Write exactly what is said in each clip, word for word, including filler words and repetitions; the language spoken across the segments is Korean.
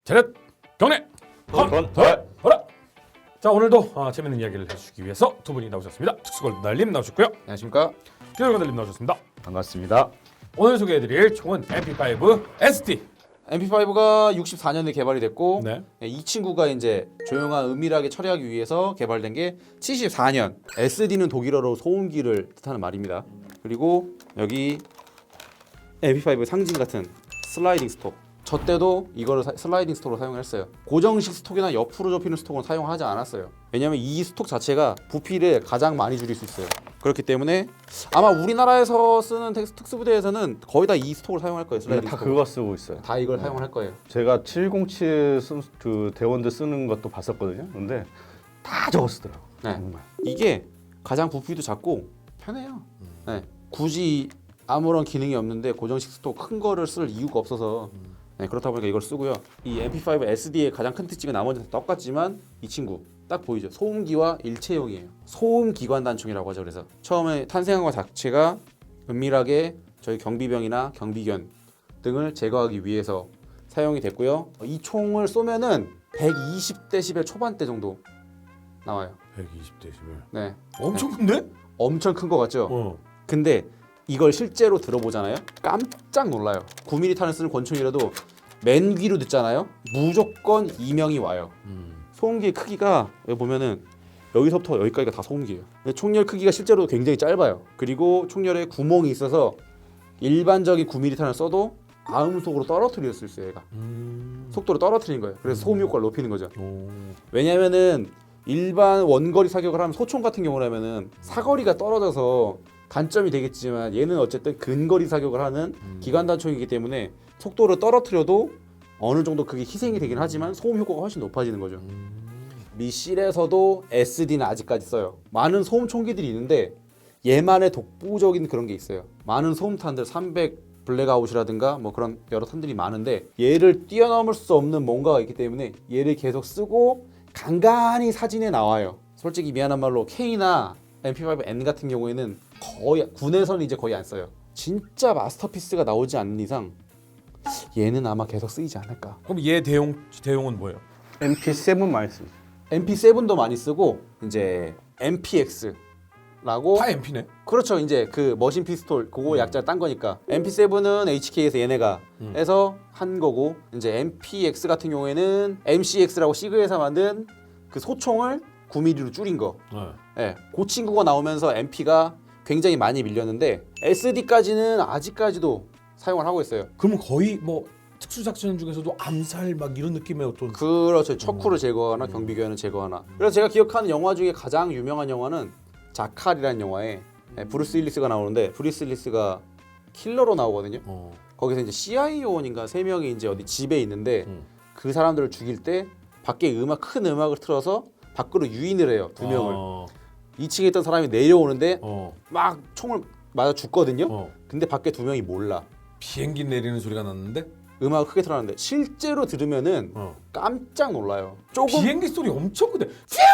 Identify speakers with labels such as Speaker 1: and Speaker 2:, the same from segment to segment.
Speaker 1: 차렷 경례
Speaker 2: 건,
Speaker 1: 헌 허라. 자 오늘도 아, 재밌는 이야기를 해주시기 위해서 두 분이 나오셨습니다. 특수골달님 나오셨고요.
Speaker 2: 안녕하십니까?
Speaker 1: 기술골달님 나오셨습니다.
Speaker 2: 반갑습니다.
Speaker 1: 오늘 소개해드릴 총은 엠피 파이브 에스디.
Speaker 2: 엠피 파이브가 육십사 년에 개발이 됐고
Speaker 1: 네.
Speaker 2: 이 친구가 이제 조용한 은밀하게 처리하기 위해서 개발된 게 칠십사 년. 에스디는 독일어로 소음기를 뜻하는 말입니다. 그리고 여기 엠피 파이브 상징 같은 슬라이딩 스톡. 저 때도 이거를 사, 슬라이딩 스톡으로 사용했어요. 고정식 스톡이나 옆으로 접히는 스톡은 사용하지 않았어요. 왜냐하면 이 스톡 자체가 부피를 가장 많이 줄일 수 있어요. 그렇기 때문에 아마 우리나라에서 쓰는 텍스, 특수부대에서는 거의 다 이 스톡을 사용할 거예요. 슬라이딩
Speaker 3: 다
Speaker 2: 스톡.
Speaker 3: 그거 쓰고 있어요.
Speaker 2: 다 이걸 사용할 거예요.
Speaker 3: 제가 칠공칠 쓴, 그 대원들 쓰는 것도 봤었거든요. 근데 다 저거 쓰더라고.
Speaker 2: 네.
Speaker 3: 정말.
Speaker 2: 이게 가장 부피도 작고 편해요. 네. 굳이 아무런 기능이 없는데 고정식 스톡 큰 거를 쓸 이유가 없어서 네, 그렇다 보니까 이걸 쓰고요. 이 엠피 파이브 에스디의 가장 큰 특징은 나머지는 똑같지만 이 친구 딱 보이죠? 소음기와 일체형이에요. 소음 기관 단총이라고 하죠. 그래서 처음에 탄생한 것 자체가 은밀하게 저희 경비병이나 경비견 등을 제거하기 위해서 사용이 됐고요. 이 총을 쏘면은 백이십 데시벨 초반대 정도 나와요.
Speaker 1: 백이십 데시벨.
Speaker 2: 네,
Speaker 1: 엄청 큰데?
Speaker 2: 엄청 큰 거 같죠?
Speaker 1: 어.
Speaker 2: 근데 이걸 실제로 들어보잖아요. 깜짝 놀라요. 구 밀리미터 탄을 쓰는 권총이라도 맨 귀로 듣잖아요. 무조건 이명이 와요.
Speaker 1: 음.
Speaker 2: 소음기의 크기가 여기 보면은 여기서부터 여기까지가 다 소음기예요. 근데 총열 크기가 실제로 굉장히 짧아요. 그리고 총열에 구멍이 있어서 일반적인 구 밀리미터 탄을 써도 아음속으로 떨어뜨릴 수 있어요. 얘가
Speaker 1: 음.
Speaker 2: 속도를 떨어뜨리는 거예요. 그래서 소음 효과를 높이는 거죠.
Speaker 1: 오.
Speaker 2: 왜냐면은 일반 원거리 사격을 하면 소총 같은 경우라면은 사거리가 떨어져서 단점이 되겠지만 얘는 어쨌든 근거리 사격을 하는
Speaker 1: 음.
Speaker 2: 기관단총이기 때문에 속도를 떨어뜨려도 어느 정도 그게 희생이 되긴 하지만 소음 효과가 훨씬 높아지는 거죠.
Speaker 1: 음.
Speaker 2: 미실에서도 에스디는 아직까지 써요. 많은 소음 총기들이 있는데 얘만의 독보적인 그런 게 있어요. 많은 소음탄들 삼백 블랙아웃이라든가 뭐 그런 여러 탄들이 많은데 얘를 뛰어넘을 수 없는 뭔가가 있기 때문에 얘를 계속 쓰고 간간히 사진에 나와요. 솔직히 미안한 말로 K나 엠피 파이브 엔 같은 경우에는 거의 군에서는 이제 거의 안 써요. 진짜 마스터피스가 나오지 않는 이상 얘는 아마 계속 쓰이지 않을까.
Speaker 1: 그럼 얘 대용 대용은 뭐예요?
Speaker 3: 엠피 세븐 많이 쓰죠.
Speaker 2: 엠피 세븐도 많이 쓰고 이제 엠피엑스라고
Speaker 1: 다 엠피네.
Speaker 2: 그렇죠. 이제 그 머신 피스톨 그거
Speaker 1: 음.
Speaker 2: 약자 딴 거니까 엠피 세븐은 에이치케이에서 얘네가
Speaker 1: 음.
Speaker 2: 해서 한 거고 이제 엠피엑스 같은 경우에는 엠씨엑스라고 시그에서 만든 그 소총을 구 밀리미터로 줄인 거.
Speaker 1: 네.
Speaker 2: 예, 그 친구가 나오면서 엠피가 굉장히 많이 밀렸는데 에스디까지는 아직까지도 사용을 하고 있어요.
Speaker 1: 그러면 거의 뭐 특수작전 중에서도 암살 막 이런 느낌의 어떤
Speaker 2: 그렇죠. 척후를 제거하나 경비견을 제거하나. 그래서 제가 기억하는 영화 중에 가장 유명한 영화는 자칼이라는 영화에 예, 브루스 윌리스가 나오는데 브루스 윌리스가 킬러로 나오거든요.
Speaker 1: 어.
Speaker 2: 거기서 이제 씨아이에이 요원인가 세 명이 이제 어디 집에 있는데
Speaker 1: 음.
Speaker 2: 그 사람들을 죽일 때 밖에 음악 큰 음악을 틀어서 밖으로 유인을 해요. 두 명을.
Speaker 1: 어.
Speaker 2: 이 층에 있던 사람이 내려오는데
Speaker 1: 어.
Speaker 2: 막 총을 맞아 죽거든요.
Speaker 1: 어.
Speaker 2: 근데 밖에 두 명이 몰라.
Speaker 1: 비행기 내리는 소리가 났는데
Speaker 2: 음악을 크게 틀어놨는데 실제로 들으면은
Speaker 1: 어.
Speaker 2: 깜짝 놀라요. 조금
Speaker 1: 비행기 소리 엄청 큰데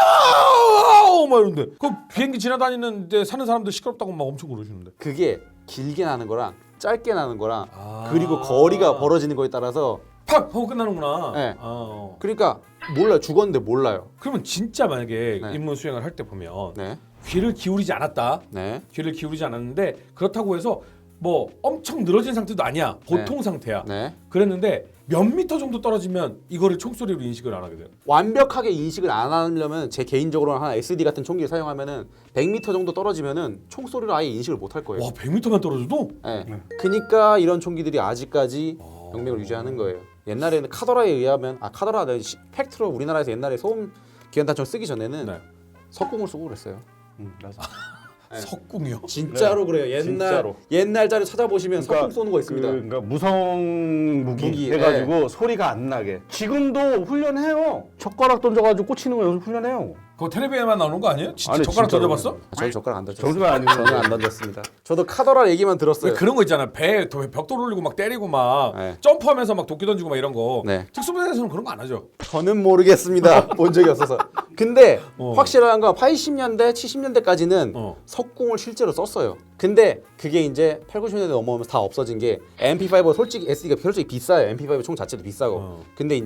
Speaker 1: 퓨! 막 이런데 그 비행기 지나다니는데 사는 사람들 시끄럽다고 막 엄청 그러시는데
Speaker 2: 그게 길게 나는 거랑 짧게 나는 거랑
Speaker 1: 아.
Speaker 2: 그리고 거리가 벌어지는 거에 따라서
Speaker 1: 팍 하고 끝나는구나.
Speaker 2: 네.
Speaker 1: 아, 어.
Speaker 2: 그러니까 몰라요. 죽었는데 몰라요.
Speaker 1: 그러면 진짜 만약에
Speaker 2: 네.
Speaker 1: 임무 수행을 할 때 보면
Speaker 2: 네,
Speaker 1: 귀를 기울이지 않았다.
Speaker 2: 네,
Speaker 1: 귀를 기울이지 않았는데 그렇다고 해서 뭐 엄청 늘어진 상태도 아니야. 보통 상태야.
Speaker 2: 네.
Speaker 1: 그랬는데 몇 미터 정도 떨어지면 이거를 총소리로 인식을 안 하게 돼요.
Speaker 2: 완벽하게 인식을 안 하려면 제 개인적으로는 한 에스디 같은 총기를 사용하면은 백 미터 정도 떨어지면은 총소리를 아예 인식을 못 할 거예요.
Speaker 1: 와 백 미터만 떨어져도?
Speaker 2: 네.
Speaker 3: 네.
Speaker 2: 그러니까 이런 총기들이 아직까지
Speaker 1: 어.
Speaker 2: 영맹을 유지하는 거예요. 옛날에는 카더라에 의하면 아 카더라 팩트로 우리나라에서 옛날에 소음 기관단총 쓰기 전에는
Speaker 1: 네.
Speaker 2: 석궁을 쓰고 그랬어요.
Speaker 3: 음, 맞아.
Speaker 2: 네.
Speaker 1: 석궁이요?
Speaker 2: 진짜로 그래요. 옛날
Speaker 3: 진짜로.
Speaker 2: 옛날 자료 찾아보시면
Speaker 3: 그러니까
Speaker 2: 석궁 쏘는 거 있습니다.
Speaker 3: 그, 그러니까 무성 무기,
Speaker 2: 무기,
Speaker 3: 해가지고 소리가 안 나게. 지금도 훈련해요. 젓가락 던져가지고 꽂히는 거 연습 훈련해요.
Speaker 1: 그거 텔레비에만 나오는 거 아니에요? 진짜
Speaker 3: 아니,
Speaker 1: 젓가락
Speaker 3: 진짜로.
Speaker 1: 던져봤어?
Speaker 2: 저희 젓가락 안 던졌어요.
Speaker 3: 정수가 아니고
Speaker 2: 저는 안 던졌습니다. 저도 카더라 얘기만 들었어요.
Speaker 1: 왜 그런 거 있잖아. 배 벽돌 올리고 막 때리고 막
Speaker 2: 네.
Speaker 1: 점프하면서 막 도끼 던지고 막 이런 거.
Speaker 2: 네.
Speaker 1: 특수부대에서는 그런 거 안 하죠.
Speaker 2: 저는 모르겠습니다. 본 적이 없어서. 근데
Speaker 1: 어.
Speaker 2: 확실한 건 팔십 년대, 칠십 년대까지는
Speaker 1: 어.
Speaker 2: 석궁을 실제로 썼어요. 근데 그게 이제 팔, 구십 년대 넘어오면서 다 없어진 게 엠피 파이브가 솔직히 에스디가 솔직히 비싸요. 엠피 파이브 총 자체도 비싸고.
Speaker 1: 어.
Speaker 2: 근데 이제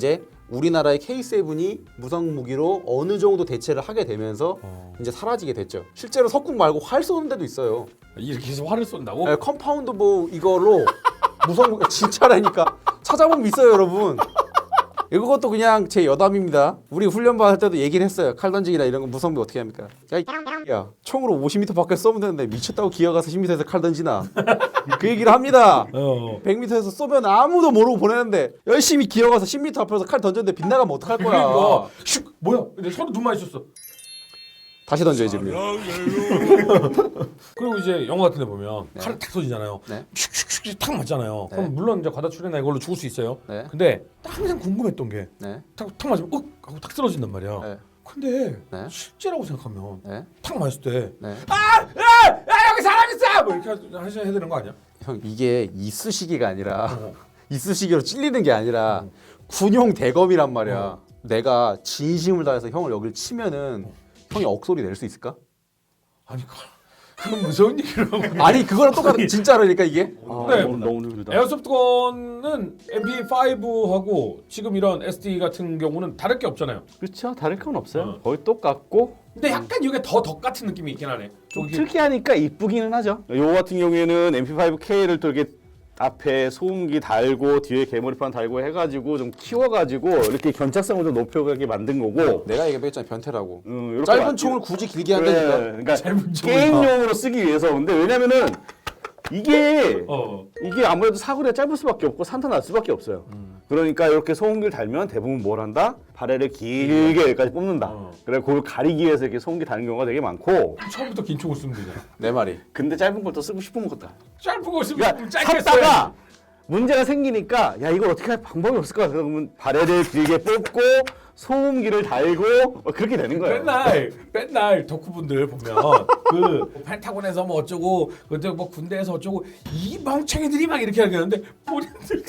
Speaker 2: 우리나라의 케이 세븐이 무성 무기로 어느 정도 대체를 하게 되면서
Speaker 1: 어.
Speaker 2: 이제 사라지게 됐죠. 실제로 석궁 말고 활 쏘는 데도 있어요.
Speaker 1: 이렇게 해서 활을 쏜다고?
Speaker 2: 네, 컴파운드 뭐 이걸로 무성 무기 진짜라니까 찾아보면 있어요, 여러분. 이것도 그냥 제 여담입니다. 우리 훈련 받을 때도 얘기를 했어요. 칼 던지기나 이런 거 무성비 어떻게 합니까? 야, 이 야, 총으로 오십 미터 밖에 쏘면 되는데 미쳤다고 기어가서 십 미터에서 칼 던지나? 그 얘기를 합니다.
Speaker 1: 어.
Speaker 2: 백 미터에서 쏘면 아무도 모르고 보내는데 열심히 기어가서 십 미터 앞에서 칼 던졌는데 빗나가면 어떡할 거야?
Speaker 1: 그러니까 슉 뭐야? 근데 서로 눈 마주쳤어.
Speaker 2: 다시 던져야지. 그러면.
Speaker 1: 그리고 이제 영화 같은 데 보면
Speaker 2: 네.
Speaker 1: 칼을 탁 쏘지잖아요.
Speaker 2: 네.
Speaker 1: 슉슉슉 탁 맞잖아요.
Speaker 2: 네.
Speaker 1: 그럼 물론 이제 과다출혈이나 이걸로 죽을 수 있어요.
Speaker 2: 네.
Speaker 1: 근데 항상 궁금했던 게
Speaker 2: 네.
Speaker 1: 탁, 탁 맞으면 윽 하고 탁 쓰러진단 말이야.
Speaker 2: 네.
Speaker 1: 근데
Speaker 2: 네.
Speaker 1: 실제라고 생각하면
Speaker 2: 네.
Speaker 1: 탁 맞을 때
Speaker 2: 네.
Speaker 1: 아! 아! 아 여기 사람 있어! 뭐 이렇게 하- 하셔야 되는 거 아니야?
Speaker 2: 형 이게 이쑤시개가 아니라
Speaker 1: 어.
Speaker 2: 이쑤시개로 찔리는 게 아니라 군용 대검이란 말이야.
Speaker 1: 어.
Speaker 2: 내가 진심을 다해서 형을 여길 치면은 형이 억소리 낼 수 있을까?
Speaker 1: 아니 그- 그건 무서운 얘기를 하고
Speaker 2: 아니 그거랑 똑같은 진짜라니까 이게.
Speaker 3: 아,
Speaker 1: 네.
Speaker 3: 너무 너무 힘들다.
Speaker 1: 에어소프트건은 엠피 파이브하고 지금 이런 에스디 같은 경우는 다를 게 없잖아요.
Speaker 3: 그렇죠. 다를 건 없어요.
Speaker 1: 어.
Speaker 3: 거의 똑같고
Speaker 1: 근데 약간 이게 더 덕 같은 느낌이 있긴 하네.
Speaker 3: 좀
Speaker 1: 저기
Speaker 3: 특이하니까 이쁘기는 하죠. 요거 같은 경우에는 엠피 파이브 케이를 또 이렇게 앞에 소음기 달고 뒤에 개머리판 달고 해가지고 좀 키워가지고 이렇게 견착성을 좀 높여가게 만든 거고.
Speaker 2: 내가 얘기했잖아 변태라고.
Speaker 3: 음, 이렇게
Speaker 2: 짧은
Speaker 3: 만-
Speaker 2: 총을 굳이 길게
Speaker 3: 그래,
Speaker 2: 한다니까.
Speaker 3: 그러니까
Speaker 1: 짧은 총을
Speaker 3: 게임용으로 쓰기 위해서. 근데 왜냐면은 이게
Speaker 1: 어.
Speaker 3: 이게 아무래도 사거리가 짧을 수밖에 없고 산타 날 수밖에 없어요. 그러니까 이렇게 소음기를 달면 대부분 뭘 한다? 바레를 길게 여기까지 뽑는다.
Speaker 1: 어.
Speaker 3: 그래 그걸 가리기 위해서 이렇게 소음기 다는 경우가 되게 많고.
Speaker 1: 처음부터 긴 총을 쓰면 되잖아.
Speaker 2: 내 말이.
Speaker 3: 근데 짧은 걸 또 쓰고 싶으면 것다.
Speaker 1: 짧은 거 쓰면
Speaker 3: 그러니까
Speaker 1: 짧게
Speaker 3: 샀다가
Speaker 1: 써야지.
Speaker 3: 문제가 생기니까 야 이걸 어떻게 할 방법이 없을까? 그러면 바레를 길게 뽑고 소음기를 달고 뭐 그렇게 되는 거예요.
Speaker 1: 맨날 맨날 덕후분들 보면 그 펜타곤에서 뭐 어쩌고 그때 뭐 군대에서 어쩌고 이 멍청이들이 막 이렇게 하는데 본인들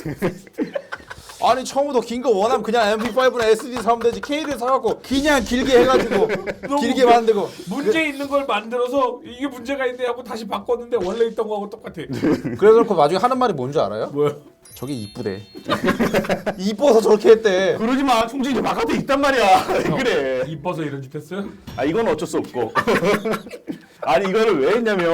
Speaker 2: 아니 처음부터 긴 거 원하면 그냥 엠피 파이브나 에스디 사면 되지. 케이를 사갖고 그냥 길게 해가지고 길게 만들고.
Speaker 1: 문제 있는 걸 만들어서 이게 문제가 있네 하고 다시 바꿨는데 원래 있던 거하고 똑같아.
Speaker 2: 그래서 그 나중에 하는 말이 뭔지 알아요?
Speaker 1: 뭐야?
Speaker 2: 저게 이쁘대. 이뻐서 저렇게 했대.
Speaker 3: 그러지 마. 총진이 저 바깥에 있단 말이야. 왜 그래.
Speaker 1: 이뻐서 이런 짓 했어요?
Speaker 3: 아 이건 어쩔 수 없고. 아니 이거를 왜 했냐면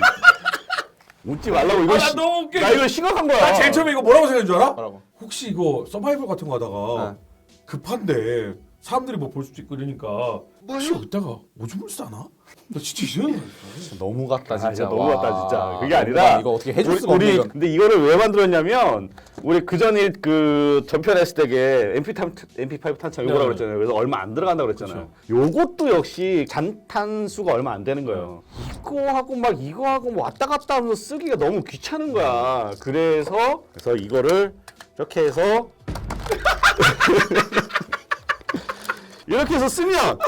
Speaker 3: 웃지 말라고 이거
Speaker 1: 아, 나
Speaker 3: 시-
Speaker 1: 너무 웃겨.
Speaker 3: 나 이거 심각한 거야.
Speaker 1: 나 제일 처음에 이거 뭐라고 생각한 줄 알아?
Speaker 2: 뭐라고?
Speaker 1: 혹시 이거 서바이벌 같은 거 하다가
Speaker 2: 네.
Speaker 1: 급한데 사람들이 뭐 볼 수도 있고 이러니까 혹시 여기다가 오줌을 싸나? 나 진짜 이상한 거
Speaker 2: 너무 같다
Speaker 3: 아,
Speaker 2: 진짜.
Speaker 3: 진짜 너무
Speaker 2: 와.
Speaker 3: 같다 진짜. 그게
Speaker 2: 너무
Speaker 3: 아니라
Speaker 2: 같다. 이거 어떻게 해줄
Speaker 3: 우리-
Speaker 2: 수가 없네.
Speaker 3: 우리
Speaker 2: 이건.
Speaker 3: 근데 이거를 왜 만들었냐면 우리 그 전에 그 전편했을 때게 엠피 탄 엠피 파이브 탄창 요거라고
Speaker 1: 네.
Speaker 3: 그랬잖아요. 그래서 얼마 안 들어간다고 그랬잖아요. 요것도 역시 잔탄수가 얼마 안 되는 거예요. 이거 하고 막 이거 하고 뭐 왔다 갔다 하면서 쓰기가 너무 귀찮은 거야. 그래서 그래서 이거를 이렇게 해서 이렇게 해서 쓰면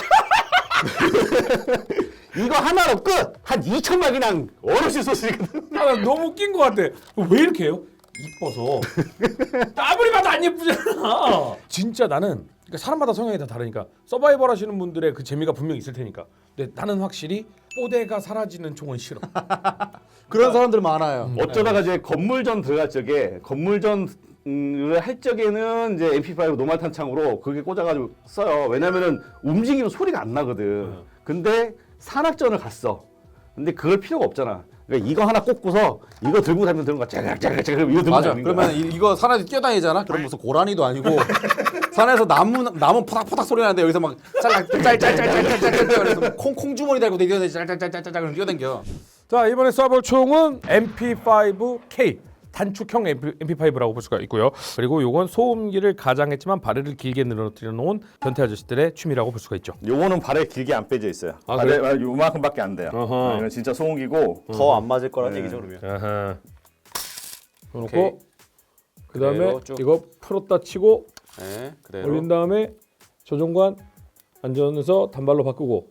Speaker 3: 이거 하나로 끝! 한 이천만 그냥 어르신 소스거든.
Speaker 1: 아, 나 너무 웃긴 거 같아. 왜 이렇게 해요? 이뻐서. 아무리 봐도 안 예쁘잖아. 진짜 나는 그러니까 사람마다 성향이 다 다르니까 서바이벌 하시는 분들의 그 재미가 분명히 있을 테니까. 근데 나는 확실히 뽀대가 사라지는 총은 싫어.
Speaker 2: 그런 사람들 많아요.
Speaker 3: 어쩌다가 이제 건물전 들어갈 적에 건물전 음, 할 적에는 이제 엠피 파이브 노말 탄창으로 그게 꽂아가지고 써요. 왜냐면은 움직이면 소리가 안 나거든. 근데 산악전을 갔어. 근데 그걸 필요가 없잖아. 그러니까 이거 하나 꽂고서 이거 들고 다니면 되는 거야. 짜글짜글짜글 이거 들고
Speaker 2: 맞아.
Speaker 3: 다니는 거야.
Speaker 2: 그러면 이, 이거 산에서 뛰어다니잖아. 그럼 무슨 고라니도 아니고 산에서 나무 나무 포닥포닥 소리 나는데 여기서 막 짤짤 짤짤짤짤짤짤 그래서 콩콩 주머니 달고 뛰어다니 짤짤짤짤짤 뛰어다녀.
Speaker 1: 자 이번에 쏴볼 총은 엠피 파이브 케이 단축형 엠피 파이브라고 볼 수가 있고요. 그리고 요건 소음기를 가장했지만 바레를 길게 늘어뜨려 놓은 변태 아저씨들의 취미라고 볼 수가 있죠.
Speaker 3: 요거는 발에 길게 안 빼져 있어요.
Speaker 1: 아,
Speaker 3: 발에
Speaker 1: 그래요?
Speaker 3: 요만큼밖에 안 돼요.
Speaker 1: 어허.
Speaker 3: 아, 이건 진짜 소음기고
Speaker 2: 더 안 맞을 거란
Speaker 3: 네.
Speaker 2: 얘기죠 그러면.
Speaker 1: 아하.
Speaker 2: 오케이.
Speaker 1: 놓고 그다음에
Speaker 2: 그대로 쭉.
Speaker 1: 이거 풀었다 치고
Speaker 2: 네, 그대로.
Speaker 1: 올린 다음에 조종관 안전에서 단발로 바꾸고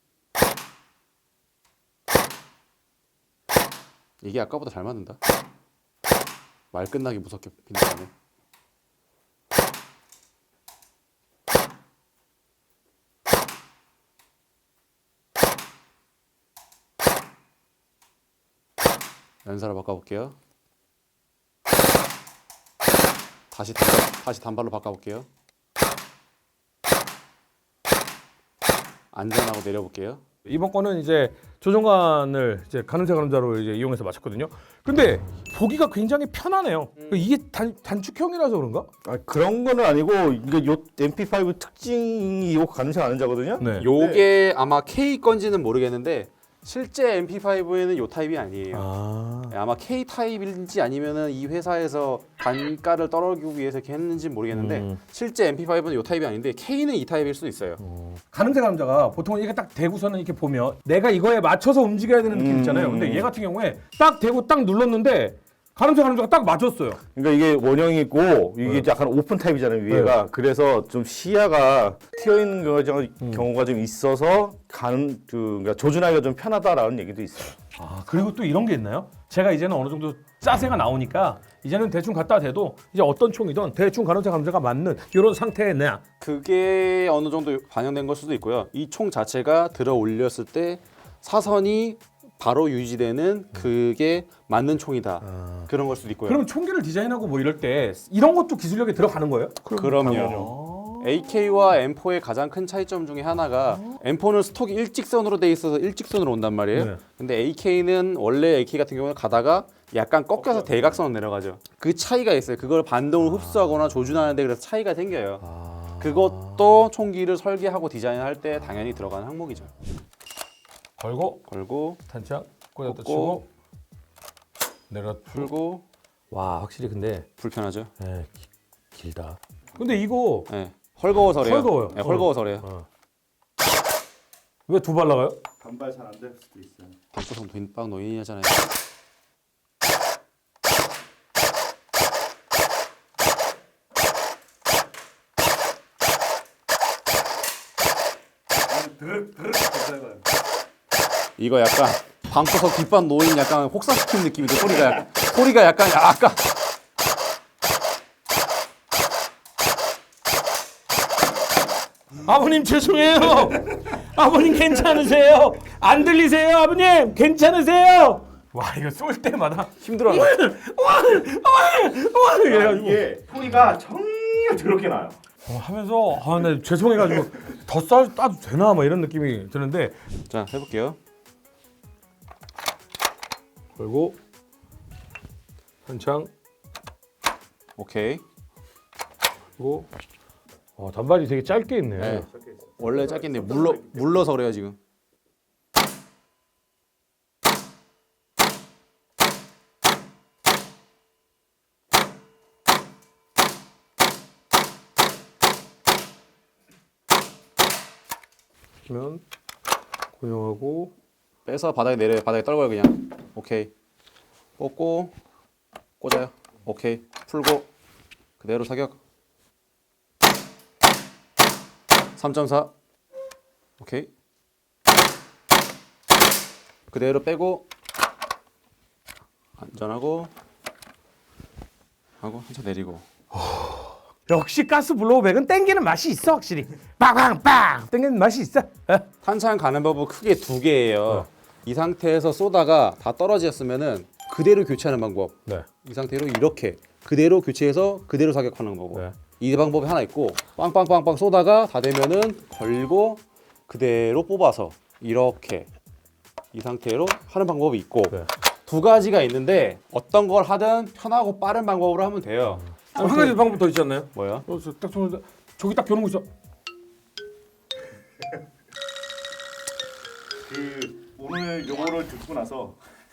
Speaker 2: 이게 아까보다 잘 맞는다. 말 끝나기 무섭게 빈다네. 연사로 바꿔볼게요. 다시 단발, 다시 단발로 바꿔볼게요. 안전하고 내려볼게요.
Speaker 1: 이번 거는 이제 조종관을 이제 가늠쇠 가늠자로 이제 이용해서 맞췄거든요. 근데 보기가 굉장히 편하네요. 이게 단, 단축형이라서 그런가?
Speaker 3: 아, 그런 거는 아니고 이게 요 엠피파이브 특징이 요 가늠쇠 가늠자거든요.
Speaker 1: 네.
Speaker 2: 요게 아마 K 건지는 모르겠는데 실제 엠피파이브에는 요 타입이 아니에요.
Speaker 1: 아.
Speaker 2: 네, 아마 K 타입인지 아니면은 이 회사에서 단가를 떨어지기 위해서 이렇게 했는지 모르겠는데
Speaker 1: 음.
Speaker 2: 실제 엠피파이브는 요 타입이 아닌데 K는 이 타입일 수도 있어요.
Speaker 1: 가늠쇠 가늠자가 보통 이렇게 딱 대고서는 이렇게 보면 내가 이거에 맞춰서 움직여야 되는 느낌
Speaker 3: 음.
Speaker 1: 있잖아요. 근데 얘 같은 경우에 딱 대고 딱 눌렀는데 가늠쇠 가늠자가 딱 맞췄어요.
Speaker 3: 그러니까 이게 원형이고 이게
Speaker 1: 네.
Speaker 3: 약간 오픈 타입이잖아요 위에가. 그래서 좀 시야가 튀어 있는 경우가,
Speaker 1: 음.
Speaker 3: 경우가 좀 있어서 가는 그 그러니까 조준하기가 좀 편하다라는 얘기도 있어요.
Speaker 1: 아 그리고 또 이런 게 있나요? 제가 이제는 어느 정도 짜세가 나오니까 이제는 대충 갖다 대도 이제 어떤 총이든 대충 가늠쇠 가늠자가 맞는 이런 상태에 내.
Speaker 2: 그게 어느 정도 반영된 걸 수도 있고요. 이 총 자체가 들어 올렸을 때 사선이 바로 유지되는 그게 맞는 총이다.
Speaker 1: 아.
Speaker 2: 그런 걸 수도 있고요.
Speaker 1: 그럼 총기를 디자인하고 뭐 이럴 때 이런 것도 기술력에 들어가는 거예요?
Speaker 2: 그럼요. 에이케이와 엠포의 가장 큰 차이점 중에 하나가 엠포는 스톡이 일직선으로 돼 있어서 일직선으로 온단 말이에요.
Speaker 1: 네.
Speaker 2: 근데 에이케이는 원래 에이케이 같은 경우는 가다가 약간 꺾여서 대각선으로 내려가죠. 그 차이가 있어요. 그걸 반동을 흡수하거나 조준하는데 그래서 차이가 생겨요.
Speaker 1: 아.
Speaker 2: 그것도 총기를 설계하고 디자인할 때 당연히 들어가는 항목이죠.
Speaker 1: 걸고
Speaker 2: 걸고
Speaker 1: 탄창 꽂았다
Speaker 2: 꽂고,
Speaker 1: 치고 내가
Speaker 2: 풀고
Speaker 1: 와 확실히 근데
Speaker 2: 불편하죠.
Speaker 1: 에, 기, 길다. 근데 이거
Speaker 2: 네. 헐거워서래요.
Speaker 1: 헐거워요.
Speaker 2: 네, 헐거워서래요.
Speaker 1: 어. 왜 두 발 나가요?
Speaker 3: 반발 잘 안 될 수도 있어요.
Speaker 2: 방구석 빈방 노인이 하잖아요. 이거 약간 방구석 뒷반 노인 약간 혹사시키는 느낌이죠. 소리가 약간, 소리가 약간 약간
Speaker 1: 아버님 죄송해요. 아버님 괜찮으세요? 안 들리세요, 아버님? 괜찮으세요? 와 이거 쏠 때마다
Speaker 2: 힘들어요.
Speaker 3: 이게 소리가 정말 더럽게 나요.
Speaker 1: 어, 하면서 아, 네, 죄송해가지고 더 쏴, 따도 되나 뭐 이런 느낌이 드는데
Speaker 2: 자 해볼게요.
Speaker 1: 걸고 한창
Speaker 2: 오케이.
Speaker 1: 그리고 어, 단발이 되게 짧게 있네.
Speaker 2: 네. 원래 짧긴데 물러 물러서 그래요 지금.
Speaker 1: 그러면 고정하고
Speaker 2: 빼서 바닥에 내려요. 바닥에 떨궈요 그냥. 오케이. 꽂고 꽂아요. 오케이. 풀고 그대로 사격. 삼 점 사. 오케이. 그대로 빼고 안전하고 하고 한참 내리고.
Speaker 1: 역시 가스 블로우백은 땡기는 맛이 있어 확실히. 빵빵빵 땡기는 맛이 있어. 에?
Speaker 2: 탄창 가는 법은 크게 두 개예요.
Speaker 1: 어.
Speaker 2: 이 상태에서 쏘다가 다 떨어졌으면은 그대로 교체하는 방법.
Speaker 1: 네.
Speaker 2: 이 상태로 이렇게 그대로 교체해서 그대로 사격하는 거고.
Speaker 1: 네.
Speaker 2: 이 방법이 하나 있고 빵빵빵빵 쏘다가 다 되면은 걸고 그대로 뽑아서 이렇게 이 상태로 하는 방법이 있고
Speaker 1: 네.
Speaker 2: 두 가지가 있는데 어떤 걸 하든 편하고 빠른 방법으로 하면 돼요.
Speaker 1: 아, 한 가지 방법 더 있지 않나요?
Speaker 2: 뭐야?
Speaker 1: 어, 저, 딱 손을 저기 딱 겨누고 있어.
Speaker 3: 그 오늘 요거를 듣고 나서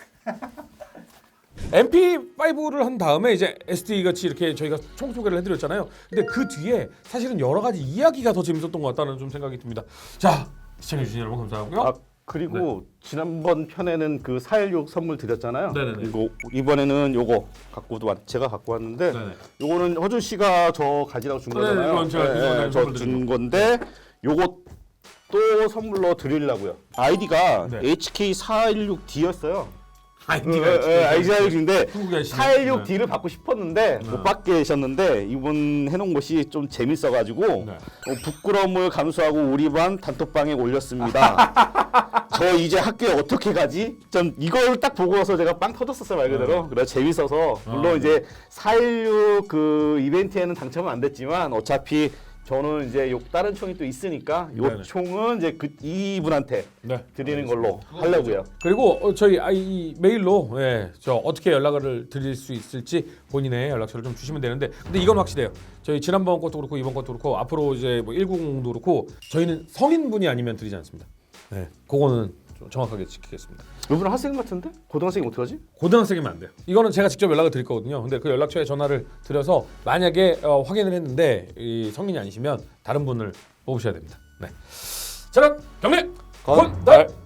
Speaker 1: 엠피파이브를 한 다음에 이제 에스디 같이 이렇게 저희가 총 소개를 해드렸잖아요. 근데 그 뒤에 사실은 여러 가지 이야기가 더 재밌었던 것 같다는 좀 생각이 듭니다. 자 시청해주신 여러분 감사하고요.
Speaker 3: 아 그리고 지난번 편에는 그 사일육 선물 드렸잖아요.
Speaker 1: 네네네.
Speaker 3: 그리고 이번에는 요거 갖고도 왔, 제가 갖고 왔는데
Speaker 1: 네네.
Speaker 3: 요거는 허준 씨가 저 가지라고 준
Speaker 1: 네,
Speaker 3: 거잖아요.
Speaker 1: 이건 제가 이번에
Speaker 3: 저
Speaker 1: 선물
Speaker 3: 준
Speaker 1: 드린
Speaker 3: 건데 요거 또 선물로 드리려고요. 아이디가
Speaker 1: 네.
Speaker 3: 에이치케이 사일육 디였어요.
Speaker 1: 아이디가
Speaker 3: 아이디가 사일육인데
Speaker 1: 한국에 하시는
Speaker 3: 사일육 디를 받고 싶었는데
Speaker 1: 네.
Speaker 3: 못 받게 되셨는데 이번 해놓은 것이 좀 재밌어가지고
Speaker 1: 네.
Speaker 3: 어, 부끄러움을 감수하고 우리 반 단톡방에 올렸습니다. 저 이제 학교에 어떻게 가지? 전 이걸 딱 보고서 제가 빵 터졌었어요 말 그대로. 그래 재밌어서 물론
Speaker 1: 아,
Speaker 3: 이제 사일육 그 이벤트에는 당첨은 안 됐지만 어차피 저는 이제 요 다른 총이 또 있으니까 요
Speaker 1: 네네.
Speaker 3: 총은 이제 그 이분한테
Speaker 1: 네.
Speaker 3: 드리는 걸로 하려고요.
Speaker 1: 그리고 어, 저희 아, 이 메일로 예, 저 어떻게 연락을 드릴 수 있을지 본인의 연락처를 좀 주시면 되는데 근데 이건 확실해요. 저희 지난번 것도 그렇고 이번 것도 그렇고 앞으로 이제 뭐 일구공도 그렇고 저희는 성인분이 아니면 드리지 않습니다. 네, 그거는 좀 정확하게 지키겠습니다.
Speaker 3: 이분은 학생 같은데? 고등학생이 어떡하지?
Speaker 1: 고등학생이면 안 돼요. 이거는 제가 직접 연락을 드릴 거거든요. 근데 그 연락처에 전화를 드려서 만약에 어, 확인을 했는데 이 성인이 아니시면 다른 분을 뽑으셔야 됩니다. 네. 자, 그럼 경례
Speaker 2: 건달!
Speaker 1: 건달.